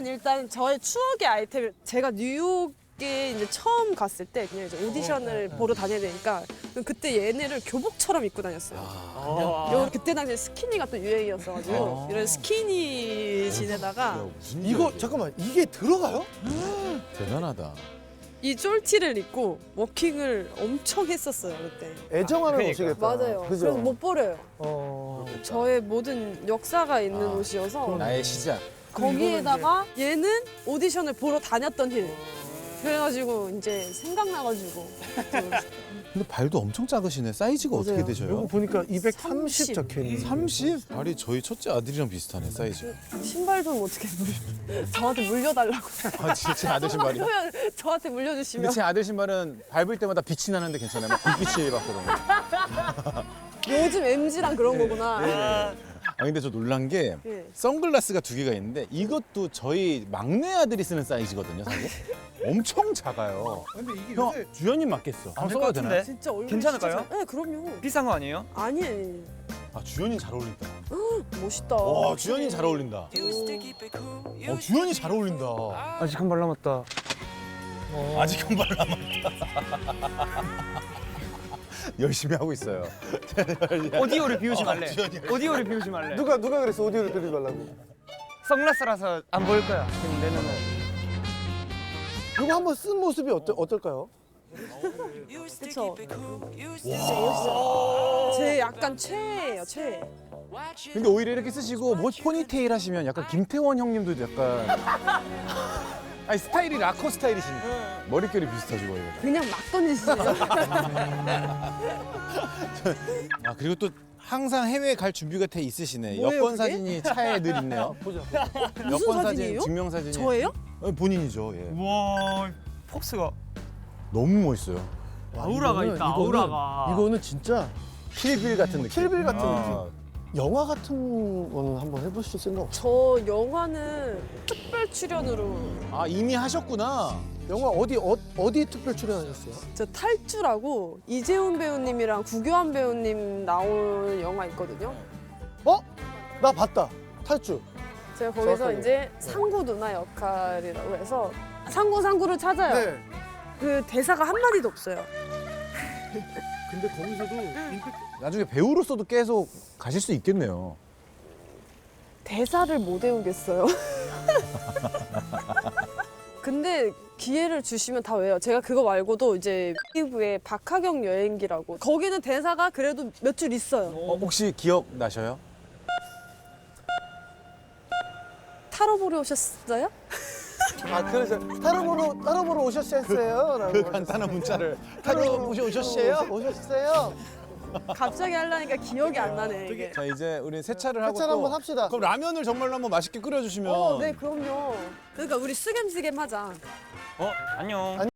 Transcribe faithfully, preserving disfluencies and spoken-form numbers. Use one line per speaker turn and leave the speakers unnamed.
일단 저의 추억의 아이템, 제가 뉴욕에 이제 처음 갔을 때 그냥 이제 오디션을 보러 다녀야 되니까 그때 얘네를 교복처럼 입고 다녔어요. 요 그때 당시에 스키니가 또 유행이었어가지고 이런 스키니 지내다가
이거 잠깐만 이게 들어가요?
대단하다.
이 쫄티를 입고 워킹을 엄청 했었어요 그때.
애정하는
그러니까.
옷이겠다.
맞아요.
그죠?
그래서 못 버려요.
어.
저의 모든 역사가 있는
아,
옷이어서
나의 시작.
거기에다가 얘는 오디션을 보러 다녔던 힐. 그래가지고 이제 생각나가지고
근데 발도 엄청 작으시네. 사이즈가 어떻게
맞아요.
이거
되셔요?
보니까 이백삼십
삼십.
적혀 있는.
삼십? 발이 저희 첫째 아들이랑 비슷하네, 사이즈.
신발 좀 어떻게 물 저한테 물려달라고.
아, 진짜 제 아들 신발이요?
그러면 저한테
근데
물려주시면
제 아들 신발은 밟을 때마다 빛이 나는데 괜찮아요? 막 불빛이 받거든요.
요즘 엠지랑 그런 거구나.
아, 근데 저 놀란 게
예.
선글라스가 두 개가 있는데 이것도 저희 막내 아들이 쓰는 사이즈거든요, 사실. 엄청 작아요.
근데 이게
형, 주연님 맞겠어.
안
한번
될 것
써봐도 되나요?
같은데?
진짜 얼굴
괜찮을까요?
진짜 잘- 네, 그럼요.
비싼 거 아니에요?
아니, 아니.
아, 주연이 잘 어울린다.
멋있다.
와, 주연이 잘 어울린다. 어, 주연이 잘 어울린다.
아직 한 발 남았다.
아직 한 발 남았다. 열심히 하고 있어요.
오디오를 비우지 말래.
주연이.
오디오를 비우지 말래.
누가 누가 그랬어 오디오를 들리지 말라고.
선글라스라서 안 보일 거야. 지금 내 눈은.
이거 한번 쓴 모습이 어때, 어떨까요?
그쵸? 진짜 제 약간 최애예요, 최애.
근데 오히려 이렇게 쓰시고 뭐 포니테일 하시면 약간 김태원 형님도 약간 아니 스타일이 락커 스타일이시니까 머릿결이 비슷하시고 이거.
그냥 막 던지시네요.
아 그리고 또 항상 해외 갈 준비가 돼 있으시네.
뭐예요,
여권
그게?
사진이 차에 늘 있네요.
보자.
무슨
여권 사진,
사진이에요?
증명 사진이.
저예요?
어, 본인이죠. 예.
우와, 폭스가.
너무 멋있어요.
아우라가
이거는-
있다,
이거는-
아우라가.
이거는 진짜
킬빌 같은 느낌.
킬빌 같은
아,
영화 같은 거는 한번 해보실 생각 없어요?
저 영화는 특별 출연으로
아 이미 하셨구나.
영화 어디 어, 어디 특별 출연하셨어요?
저 탈주라고 이재훈 배우님이랑 구교환 배우님 나온 영화 있거든요.
어? 나 봤다. 탈주.
제가 거기서
정확하게.
이제 상구 누나 역할이라고 해서 상구 상구를 찾아요.
네.
그 대사가 한 마디도 없어요.
근데 거기서도 임팩트.
나중에 배우로서도 계속 가실 수 있겠네요.
대사를 못 외우겠어요. 근데 기회를 주시면 다 외워요. 제가 그거 말고도 이제 피부의 박하경 여행기라고 거기는 대사가 그래도 몇 줄 있어요.
어, 혹시 기억 나셔요?
타로 보러 오셨어요?
아 그래서 따로 보러 따로 보러 오셨어요? 라고
그 간단한 문자를 타로 보셔 오셨어요?
오셨어요?
갑자기 하려니까 기억이 안 나네 이게.
자 이제 우리 세차를 하고
세차를
또
한번 합시다.
그럼 라면을 정말로 한번 맛있게 끓여주시면
어, 네 그럼요. 그러니까 우리 쓰겜쓰겜 하자.
어, 안녕.